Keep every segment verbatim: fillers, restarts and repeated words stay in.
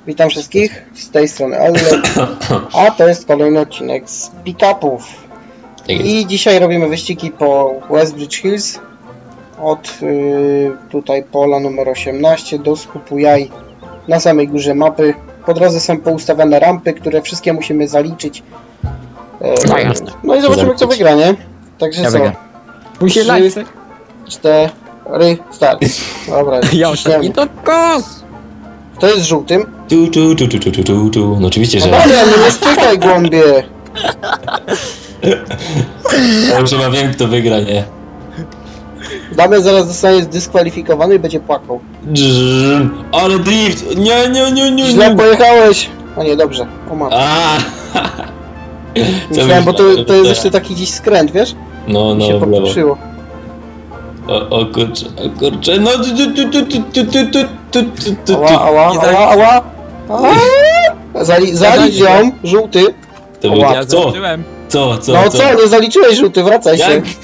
Witam wszystkich, z tej strony Alek, a to jest kolejny odcinek z pick-upów. I dzisiaj robimy wyścigi po Westbridge Hills, od yy, tutaj pola numer osiemnaście do skupu jaj na samej górze mapy. Po drodze są poustawiane rampy, które wszystkie musimy zaliczyć. Yy, no jasne. No i zobaczymy, kto wygra, nie? Także ja co? Musi trzy, cztery, start. Dobra, ja ostatni to kos! Kto jest żółtym? Tu, tu, tu, tu, tu, tu, tu, tu. No oczywiście, że... No dobra, nie stykaj, głąbie! Ja już chyba wiem, kto wygra, nie? Damian zaraz zostanie zdyskwalifikowany i będzie płakał. Drrr, ale drift! Nie, nie, nie, nie, Źle nie. pojechałeś! A nie, dobrze. O matko. A. Myślałem, bo to, to jest jeszcze taki dziś skręt, wiesz? No, no, się w lewo. pokruszyło. O, o kurczę, o kurczę, no tu, tu, tu, tu, tu, tu, tu, tu, tu, tu, tu. Ała, ała, ała, ała! ała. Zali, zalicz ją, żółty. To był... Ja Co? zobaczyłem. Co, co, No co, nie zaliczyłeś żółty, wracaj się. Jak?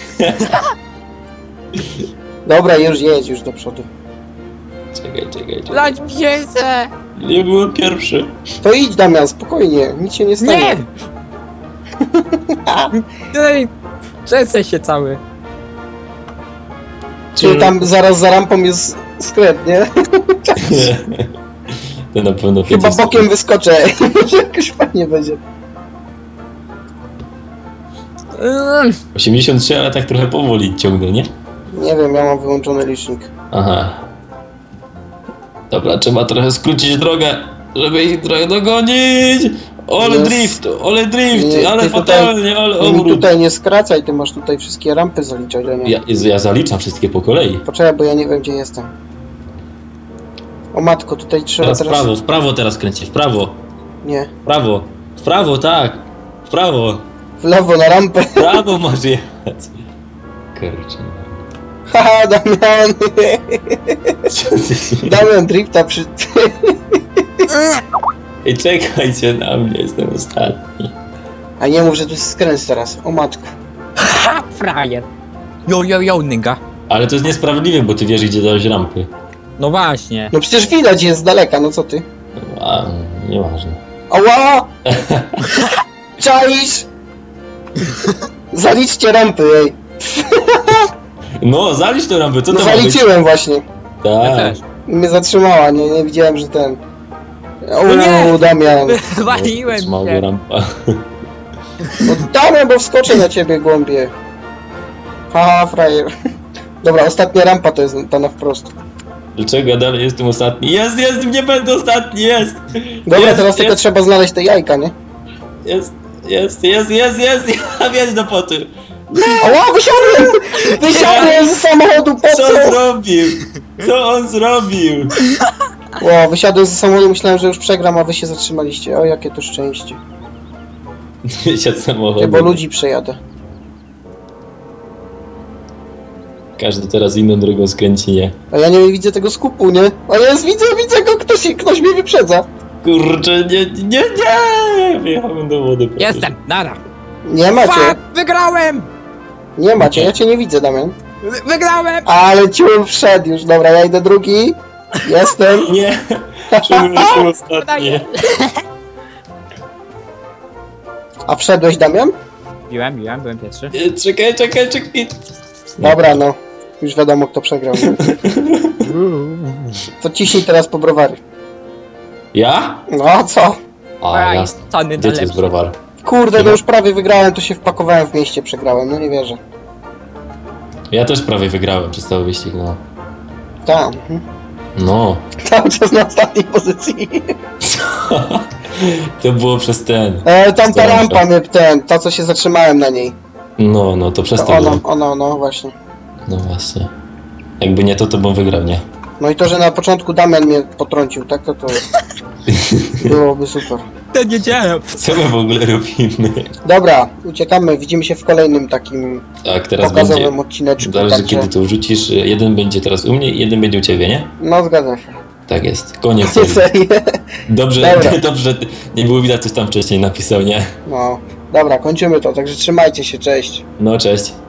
Dobra, już jedź, już do przodu. Czekaj, czekaj, czekaj. Lać piesę! Nie było pierwszy. To idź, Damian, spokojnie, nic się nie stanie. Nie! Tutaj trzęsę się cały. Czyli tam zaraz za rampą jest skręt, nie? To na pewno Chyba pięćdziesiąt. bokiem wyskoczę, może jakoś fajnie będzie. osiemdziesiąt trzy, ale tak trochę powoli ciągnę, nie? Nie wiem, ja mam wyłączony licznik. Aha. Dobra, trzeba trochę skrócić drogę, żeby ich trochę dogonić. Ole Jest. drift, ole drift, Nie, ale ty fatalnie, ale Ty mi obrót. tutaj nie skracaj, ty masz tutaj wszystkie rampy zaliczać, a nie. Ja, Jezu, ja zaliczam wszystkie po kolei. Poczekaj, bo ja nie wiem, gdzie jestem. O matko, tutaj trzeba Teraz w teraz... prawo, w prawo teraz kręcić, w prawo, Nie. w prawo, w prawo, tak, w prawo, W lewo, na rampę. w prawo masz jechać. Kurczę. Haha, Damian! Co ty się... Damian drifta przy... Ej, czekajcie na mnie, jestem ostatni. A nie mów, że tu jest skręt teraz. O matko. Ha! Frajer! Yo, yo, yo, nigga. Ale to jest niesprawiedliwe, bo ty wiesz, gdzie dałeś rampy. No właśnie. No przecież widać jest z daleka, no co ty? A, nieważne. Ała! Czaisz? Zaliczcie rampy, ej. No, zalicz tę rampę, co No to ma być? zaliczyłem właśnie. Ja Tak. też. Mnie zatrzymała, nie, nie widziałem, że ten... O, No nie! Damian. Waliłem Mała się. rampa. No Damian, bo wskoczę na ciebie, głąbie. Haha, frajer. Dobra, ostatnia rampa to jest ta na wprost. Dlaczego ja dalej jestem ostatni? Jest, jest, nie będę ostatni, jest! Dobra, jest, teraz tylko jest, trzeba znaleźć te jajka, nie? jest, jest, jest, jest, jest, ja wiedz do poty. Ała, wysiadłem! Wysiadłem z samochodu, po Co co? zrobił? Co on zrobił? Ło, wysiadłem z samochodu, myślałem, że już przegram, a wy się zatrzymaliście. O, jakie to szczęście. Wysiadł Ty, samochód. bo ludzi przejadę. Każdy teraz inną drogą skręci, nie? A ja nie widzę tego skupu, nie? A jest, widzę, widzę go, ktoś, ktoś mnie wyprzedza. Kurczę, nie, nie, nie! Wjechałem do wody. po prostu. Jestem, nara. Nie macie, Fuck! Wygrałem! nie macie, ja cię nie widzę, Damian. Wy- Wygrałem! Ale ciul wszedł już, dobra, ja idę drugi. Jestem. Nie! Czemu jestem ostatni? A wszedłeś, Damian? Biłem, biłem, byłem pierwszy. Nie, czekaj, czekaj, czekaj. Dobra, no. Już wiadomo, kto przegrał. To ciśnij teraz po browary. Ja? No, a co? A, jasne. Tony Gdzie to jest najlepszy. browar? Kurde, no już prawie wygrałem, to się wpakowałem w mieście, przegrałem, no nie wierzę. Ja też prawie wygrałem przez cały wyścig, no. Tam. mhm. No. Cały czas na ostatniej pozycji. To było przez ten. E, tam ta Staram rampa się. mnie, ten, ta co się zatrzymałem na niej. No, no, to przez To to ona, było. ona, no właśnie. No właśnie. Jakby nie to, to bym wygrał, nie? No i to, że na początku Damian mnie potrącił, tak, to to byłoby super. To nie działa. Co my w ogóle robimy? Dobra, uciekamy, widzimy się w kolejnym takim Tak, teraz pokazowym będzie. odcineczku. Zależy Także... kiedy to wrzucisz. Jeden będzie teraz u mnie i jeden będzie u ciebie, nie? No zgadzam się. Tak jest. Koniec. serii. Serię. Dobrze, Dobra. dobrze. Nie było widać, coś tam wcześniej napisał, nie? No, dobra, kończymy to, także trzymajcie się, cześć. No, cześć.